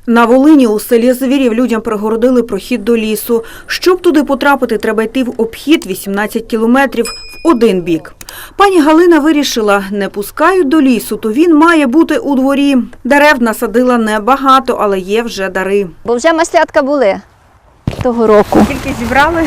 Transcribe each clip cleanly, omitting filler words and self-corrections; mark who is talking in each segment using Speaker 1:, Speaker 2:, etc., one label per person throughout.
Speaker 1: На Волині у селі Звірів людям перегородили прохід до лісу. Щоб туди потрапити, треба йти в обхід 18 кілометрів в один бік. Пані Галина вирішила, не пускають до лісу, то він має бути у дворі. Дерев насадила небагато, але є вже дари.
Speaker 2: Бо вже маслятка були того року.
Speaker 1: Скільки зібрали?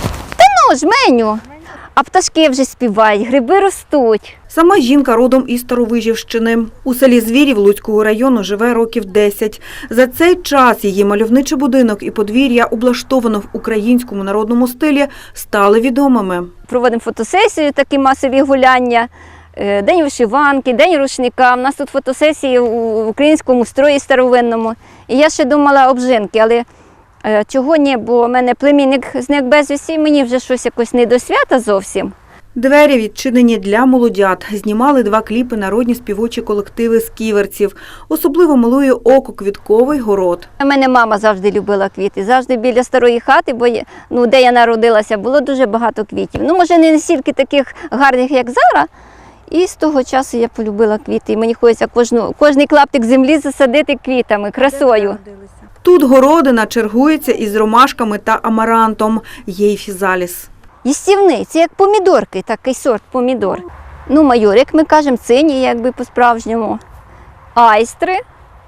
Speaker 2: Жменю. А пташки вже співають, гриби ростуть.
Speaker 1: Сама жінка родом із Старовижівщини. У селі Звірів Луцького району живе років 10. За цей час її мальовничий будинок і подвір'я, облаштовано в українському народному стилі, стали відомими.
Speaker 2: Проводимо фотосесію, такі масові гуляння, день вишиванки, день рушника. У нас тут фотосесії в українському строї старовинному. І я ще думала обжинки, але чого ні, бо в мене племінник зник безвісті, мені вже щось якось не до свята зовсім.
Speaker 1: Двері відчинені для молодят. Знімали 2 кліпи народні співочі колективи з Ківерців. Особливо милує око квітковий город.
Speaker 2: У мене мама завжди любила квіти, завжди біля старої хати, бо де я народилася, було дуже багато квітів. Може не настільки таких гарних, як зараз. І з того часу я полюбила квіти. І мені хочеться кожний клаптик землі засадити квітами, красою.
Speaker 1: Тут городина чергується із ромашками та амарантом. Є й фізаліс.
Speaker 2: Їстівний, це як помідорки, такий сорт помідор. Майор, як ми кажемо, цині, якби по-справжньому. Айстри,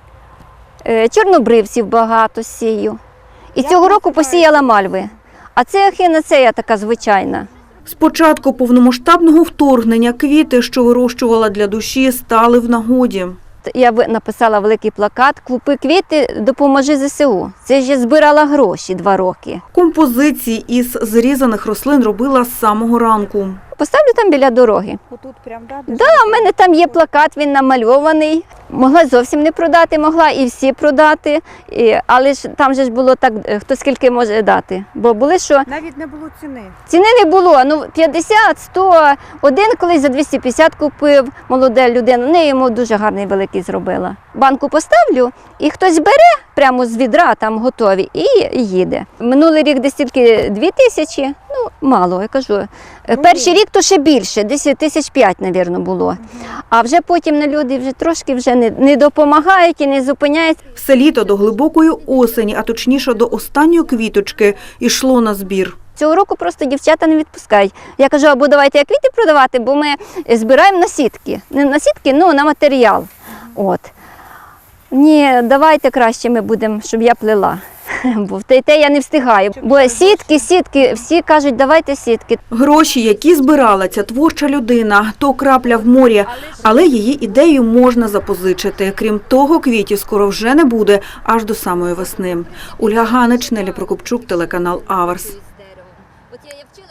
Speaker 2: чорнобривців багато сію. І цього року посіяла мальви. А це ехінацея така звичайна.
Speaker 1: З початку повномасштабного вторгнення квіти, що вирощувала для душі, стали в нагоді.
Speaker 2: Я написала великий плакат «Купи квіти, допоможи ЗСУ». Це ж я збирала гроші 2 роки.
Speaker 1: Композиції із зрізаних рослин робила з самого ранку.
Speaker 2: Поставлю там біля дороги.
Speaker 1: Отут прям,
Speaker 2: У мене там є плакат, він намальований. Могла зовсім не продати, могла і всі продати. Але ж там же ж було так, хто скільки може дати. Бо були, що...
Speaker 1: Навіть не було ціни.
Speaker 2: Ціни не було. 50, 100. Один колись за 250 купив, молода людина. Не йому дуже гарний великий зробила. Банку поставлю, і хтось бере прямо з відра, там готові, і їде. Минулий рік десь тільки 2000, мало, я кажу. Перший рік то ще більше, десь 5 тисяч, мабуть, було. А вже потім люди вже трошки не допомагають і не зупиняють.
Speaker 1: Все літо до глибокої осені, а точніше до останньої квіточки, йшло на збір.
Speaker 2: Цього року просто дівчата не відпускають. Я кажу, або давайте квіти продавати, бо ми збираємо на сітки. Не на сітки, на матеріал. Ні, давайте краще ми будемо, щоб я плела. Бо те я не встигаю. Бо сітки, всі кажуть, давайте сітки.
Speaker 1: Гроші, які збирала ця творча людина, то крапля в морі, але її ідею можна запозичити. Крім того, квітів скоро вже не буде, аж до самої весни. Ольга Ганич, Нелі Прокопчук, телеканал Аверс.